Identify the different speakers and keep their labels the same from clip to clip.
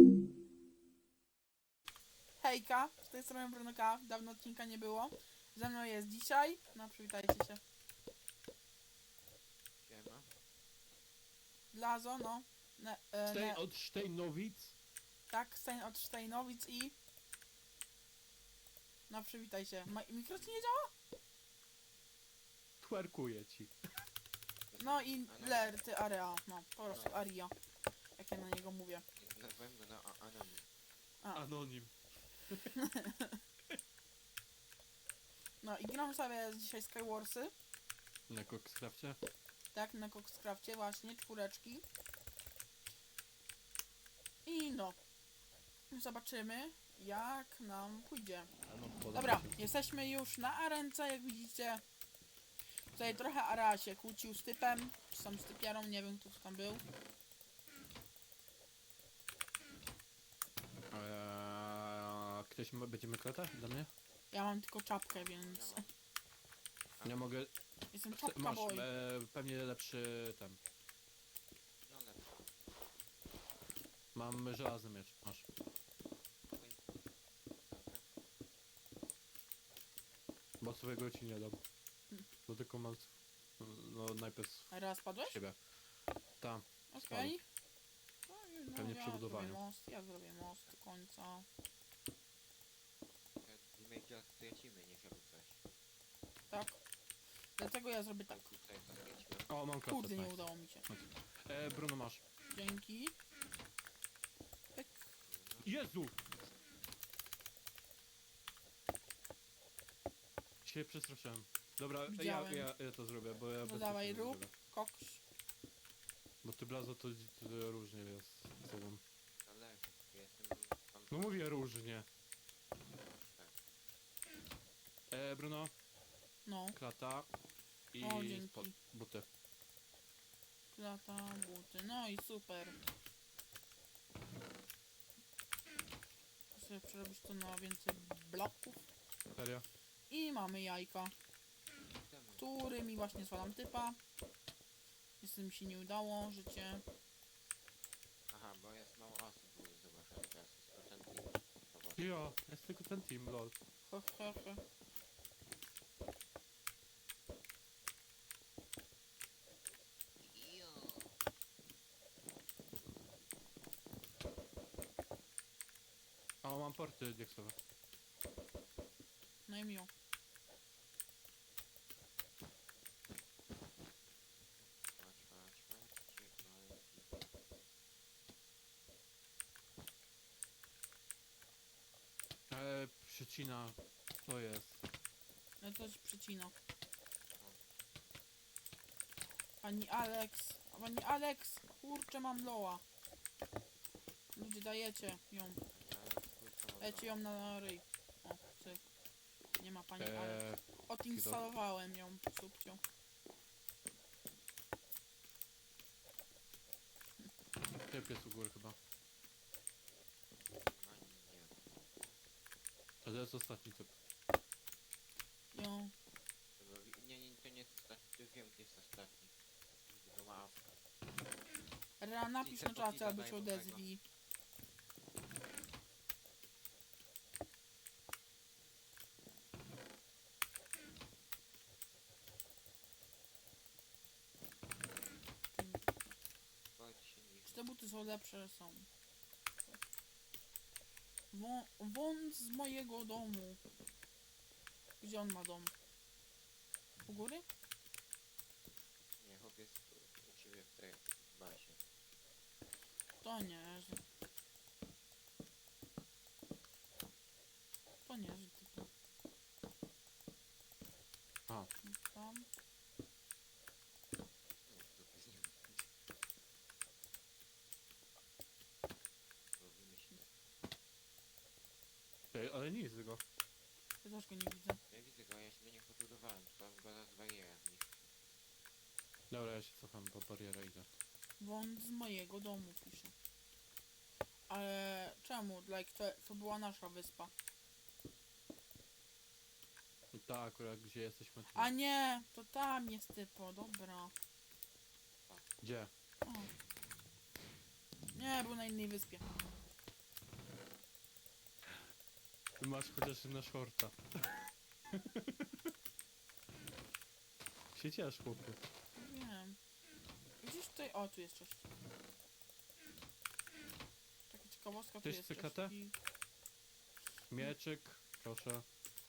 Speaker 1: Hejka, z tej strony Brunoka, dawno odcinka nie było. Ze mną jest dzisiaj, no przywitajcie się.
Speaker 2: Siema.
Speaker 1: Blazo, no.
Speaker 3: Stein od Stejnowic?
Speaker 1: Tak, Stein od Stejnowic i... No przywitaj się. Mikro ci nie działa?
Speaker 3: Twerkuję ci.
Speaker 1: No i Lerty Area, no po prostu Aria. Jak ja na niego mówię.
Speaker 2: Nazwałem go na Anonim.
Speaker 3: Anonim.
Speaker 1: No i gram sobie dzisiaj Skywarsy.
Speaker 3: Na Coxcrafcie?
Speaker 1: Tak, na Coxcrafcie właśnie, 4. I no. Zobaczymy jak nam pójdzie. Dobra, jesteśmy już na arence, jak widzicie. Tutaj trochę Ara się kłócił z typem, czy tam z typiarą, nie wiem kto tam był.
Speaker 3: Ktoś będziemy klata dla mnie?
Speaker 1: Ja mam tylko czapkę, więc
Speaker 3: Nie mogę.
Speaker 1: jestem czapka
Speaker 3: Masz
Speaker 1: boy.
Speaker 3: pewnie lepszy ten.
Speaker 2: No lepszy.
Speaker 3: Mam żelazny miecz. Masz.
Speaker 2: Dobra.
Speaker 3: Bo swojego ci nie dam. Bo tylko mam. No najpierw
Speaker 1: Raz padłeś?
Speaker 3: siebie. Tam.
Speaker 1: Okej. No,
Speaker 3: Pewnie
Speaker 1: ja
Speaker 3: przy budowaniu.
Speaker 1: ja zrobię most do końca.
Speaker 2: Damage'a stracimy, nie żeby coś.
Speaker 1: Tak. Dlatego ja zrobię tak.
Speaker 2: Tutaj straciłem.
Speaker 3: O, mam klatę.
Speaker 1: Kurde, nie
Speaker 3: nice.
Speaker 1: udało mi się.
Speaker 3: Bruno masz.
Speaker 1: Dzięki. Pyk.
Speaker 3: Jezu! Się przestraszyłem. Dobra,
Speaker 1: Widziałem.
Speaker 3: ja to zrobię, bo ja
Speaker 1: No
Speaker 3: bez
Speaker 1: dawaj,
Speaker 3: sensu
Speaker 1: rób.
Speaker 3: zrobię.
Speaker 1: Koks.
Speaker 3: Bo ty blazo to różnie jest z tobą.
Speaker 2: Zależy. Jestem... Mam...
Speaker 3: No mówię różnie.
Speaker 2: Tak.
Speaker 3: Bruno,
Speaker 1: No.
Speaker 3: klata i
Speaker 1: O, dzięki.
Speaker 3: buty.
Speaker 1: Lata, buty. No i super. Muszę sobie przerobić to na więcej bloków.
Speaker 3: Serio?
Speaker 1: I mamy jajka,
Speaker 2: Temu.
Speaker 1: którymi właśnie zwalam typa. Niestety mi się nie udało, życie.
Speaker 2: Aha, bo jest mało osób, bo zobaczę teraz jest procent.
Speaker 3: Ja, jest tylko ten team, lol.
Speaker 1: He, he, he.
Speaker 3: A mam porty dieksowe.
Speaker 1: No i miło.
Speaker 3: Przycina, to jest.
Speaker 1: No to się przycina. Pani Alex, kurczę mam loa. Ludzie dajecie ją, dajcie ją na ryj. O, cyk. Nie ma pani Alex. Odinstalowałem ją, subcią.
Speaker 3: Typ jest u góry chyba. A to jest ostatni typ.
Speaker 1: Ją.
Speaker 2: Nie, to nie jest ostatni, wiem gdzie jest ostatni. To ma awka.
Speaker 1: Napisz na czacie, albo się odezwij. Czy te buty są lepsze? Są. Wąt z mojego domu. Gdzie on ma dom? U góry?
Speaker 2: Nie, chłop jest u ciebie w tej bazie.
Speaker 1: To nie, że... To nie, że typu.
Speaker 3: A.
Speaker 1: Tam.
Speaker 2: No, to jest nie robimy się.
Speaker 3: Ej, ale nie jest tego.
Speaker 1: Ja też go nie widzę.
Speaker 2: Ja widzę go, ja się nie podbudowałem, tylko go zaraz bariera zniszczy.
Speaker 3: Dobra, ja się cofam, bo bariera idę.
Speaker 1: Wąt z mojego domu pisze. Ale czemu? To była nasza wyspa.
Speaker 3: I ta akurat, gdzie jesteśmy.
Speaker 1: A nie, to tam jest typo, dobra.
Speaker 3: Gdzie?
Speaker 1: O. Nie, był na innej wyspie.
Speaker 3: Masz chociaż na shorta. Się ciesz, chłopie.
Speaker 1: Wiem. Gdzieś tutaj... O, tu jest coś. Taka ciekawostka, tu
Speaker 3: Ktoś
Speaker 1: jest
Speaker 3: chce
Speaker 1: coś.
Speaker 3: katę? Mieczyk, proszę.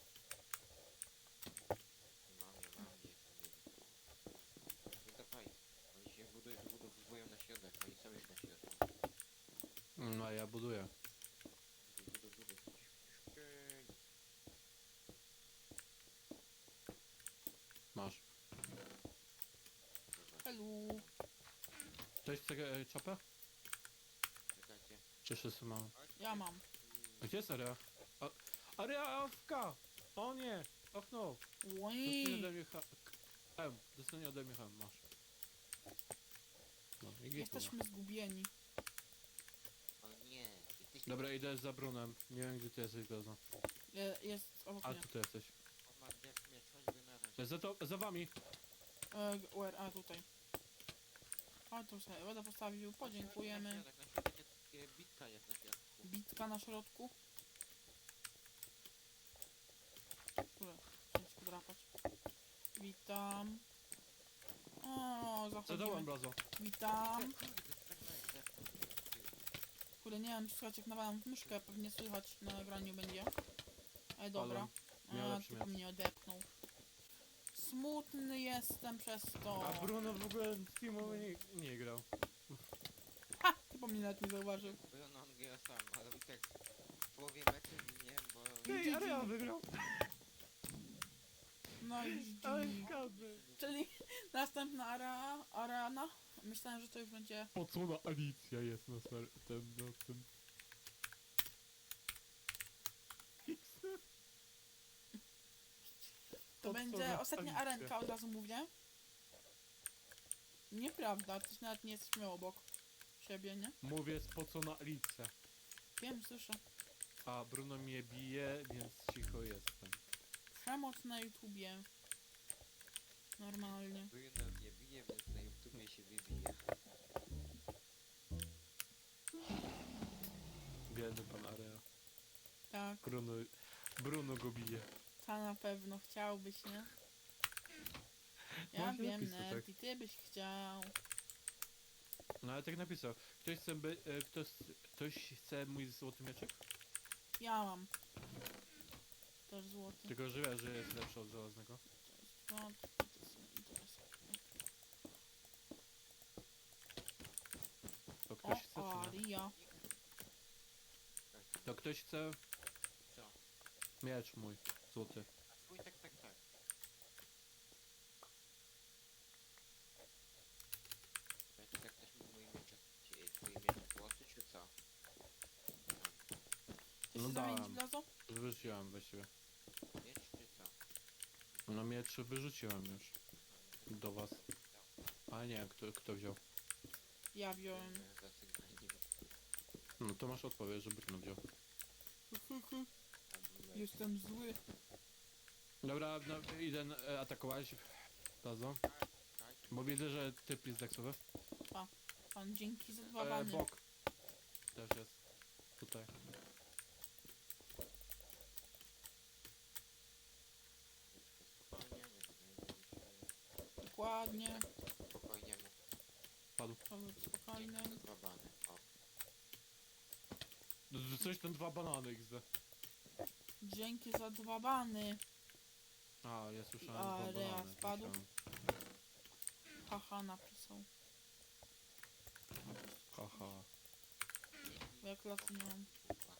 Speaker 2: Mam, gdzie no dawaj. Oni się budowują na środek, oni są już na środku.
Speaker 3: No a ja buduję.
Speaker 2: Buduj.
Speaker 3: Masz.
Speaker 1: Helu.
Speaker 3: Ktoś chce czapę?
Speaker 2: Czekajcie.
Speaker 3: Czy wszyscy mamy?
Speaker 1: Ja mam.
Speaker 3: A gdzie jest Area? Area AFK! O nie! Och no! Dostanie
Speaker 1: Ui.
Speaker 3: ode mnie dostanie ode mnie masz. No i git.
Speaker 1: Jesteśmy zgubieni.
Speaker 2: O nie, jesteś...
Speaker 3: Dobra, idę za Brunem. Nie wiem gdzie ty jesteś, Gaza.
Speaker 1: Jest obok
Speaker 3: A
Speaker 1: mnie.
Speaker 3: tu ty jesteś.
Speaker 2: O, ma mnie, chodźby na razie.
Speaker 3: Za wami!
Speaker 1: Where? A, tutaj. A, tu sobie wodę postawił. Podziękujemy.
Speaker 2: Na środek jest, bitka jest na środku.
Speaker 1: Bitka na środku. Które? Chciałem się podrapać. Witam. O,
Speaker 3: Za dołem,
Speaker 1: zachodzimy.
Speaker 3: Blazo.
Speaker 1: Witam.
Speaker 2: Kurde,
Speaker 1: Kurde, nie wiem, czy słychać jak nawalam w myszkę. Pewnie słychać na nagraniu będzie. Ale dobra.
Speaker 3: miał
Speaker 1: A,
Speaker 3: lepszy
Speaker 1: tylko
Speaker 3: miecz.
Speaker 1: mnie odepnął. Smutny jestem przez to.
Speaker 3: A Bruno w ogóle w teamowy nie grał.
Speaker 1: Ha! Chyba mnie nawet nie zauważył.
Speaker 2: Bruno on gra sam, ale i tak w połowie meczu ginie, bo...
Speaker 3: Ej, Area wygrał!
Speaker 1: No i
Speaker 3: Ale
Speaker 1: GG.
Speaker 3: zgadnę.
Speaker 1: Czyli następna arena. Myślałem, że to już będzie...
Speaker 3: Po co na Alicja jest na tym?
Speaker 1: To
Speaker 3: Po co
Speaker 1: będzie
Speaker 3: na
Speaker 1: ostatnia
Speaker 3: Alicję?
Speaker 1: arenka, od razu mówię. Nieprawda, ty nawet nie jesteś miał obok siebie, nie?
Speaker 3: Mówię, po co na Alicję?
Speaker 1: Wiem, słyszę.
Speaker 3: A Bruno mnie bije, więc cicho jestem.
Speaker 1: Przemoc na YouTubie. Normalnie.
Speaker 2: Bruno mnie bije, więc na YouTubie się wybije.
Speaker 3: Biedny pan Area.
Speaker 1: Tak,
Speaker 3: Bruno go bije.
Speaker 1: ta na pewno chciałbyś, nie? Ja
Speaker 3: Można
Speaker 1: wiem,
Speaker 3: napisać,
Speaker 1: Ned,
Speaker 3: tak.
Speaker 1: i ty byś chciał.
Speaker 3: No ale tak napisał. Ktoś chce mój złoty mieczek?
Speaker 1: Ja mam. Też złoty.
Speaker 3: Tylko że wiesz, że jest lepszy od żelaznego.
Speaker 1: To jest interesantne.
Speaker 3: To ktoś chce
Speaker 1: O,
Speaker 3: czy nie?
Speaker 1: Aria.
Speaker 3: To ktoś chce
Speaker 2: Co?
Speaker 3: miecz mój złoty.
Speaker 2: A twój tak. Jak ktoś mój mieczek, twój mieczek złoty, czy co?
Speaker 1: Chcesz
Speaker 3: No
Speaker 1: się zamienić,
Speaker 3: dałem.
Speaker 1: Blazo?
Speaker 3: Wyrzuciłem właściwie.
Speaker 2: Miecz, czy co?
Speaker 3: No miecz wyrzuciłem już. Do was. A nie, kto wziął?
Speaker 1: Ja wziąłem.
Speaker 2: Zasygnaliłem.
Speaker 3: No to masz odpowiedź, że Bruno wziął.
Speaker 1: Jestem zły.
Speaker 3: Dobra, no, idę atakować. Tazo. Bo widzę, że typ jest deksowy.
Speaker 1: Pan dzięki za dwa bany.
Speaker 3: Bok. Też jest. Tutaj.
Speaker 2: Spokojnie, nie tutaj
Speaker 1: Dokładnie.
Speaker 2: spokojnie mu.
Speaker 3: Padł.
Speaker 1: Spokojnie.
Speaker 2: Złapany. O,
Speaker 3: Coś tam 2 banany XD.
Speaker 1: Dzięki za dwa bany.
Speaker 3: A, ja słyszałem
Speaker 1: A,
Speaker 3: 2
Speaker 1: Rea
Speaker 3: banany.
Speaker 1: spadł?
Speaker 3: Myślałem.
Speaker 1: Haha napisał.
Speaker 3: Haha.
Speaker 1: Bo jak lat nie mam.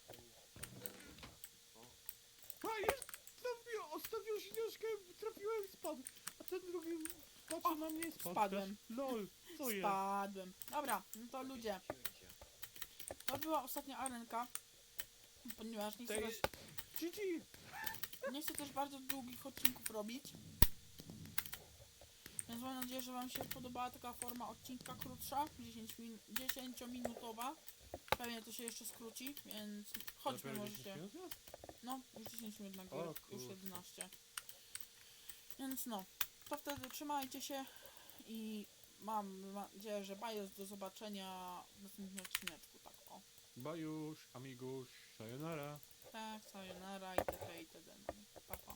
Speaker 2: o,
Speaker 3: A, jest! Ostatnią śnieżkę trafiłem i spadł. A ten drugi patrzy
Speaker 1: O,
Speaker 3: na mnie i spadł.
Speaker 1: spadłem.
Speaker 3: Też. LOL, co jest?
Speaker 1: Spadłem. Dobra, no to ludzie.
Speaker 2: cięcie.
Speaker 1: To była ostatnia arenka. Ponieważ nie chcę,
Speaker 3: Tej-
Speaker 1: też,
Speaker 3: GG!
Speaker 1: nie chcę też bardzo długich odcinków robić. Więc mam nadzieję, że wam się podobała taka forma odcinka krótsza, 10-minutowa. Pewnie to się jeszcze skróci, więc chodźmy
Speaker 3: Dopiero
Speaker 1: możecie.
Speaker 3: 10 minut jest?
Speaker 1: No, już 10 minut na
Speaker 3: O,
Speaker 1: górę, już
Speaker 3: kurczę.
Speaker 1: 11. Więc no, to wtedy trzymajcie się i mam nadzieję, że bajos do zobaczenia w następnym odcineczku, tak o.
Speaker 3: Bajusz, amigusz, sayonara.
Speaker 1: Tak, sayonara itp. itd. No, pa, pa.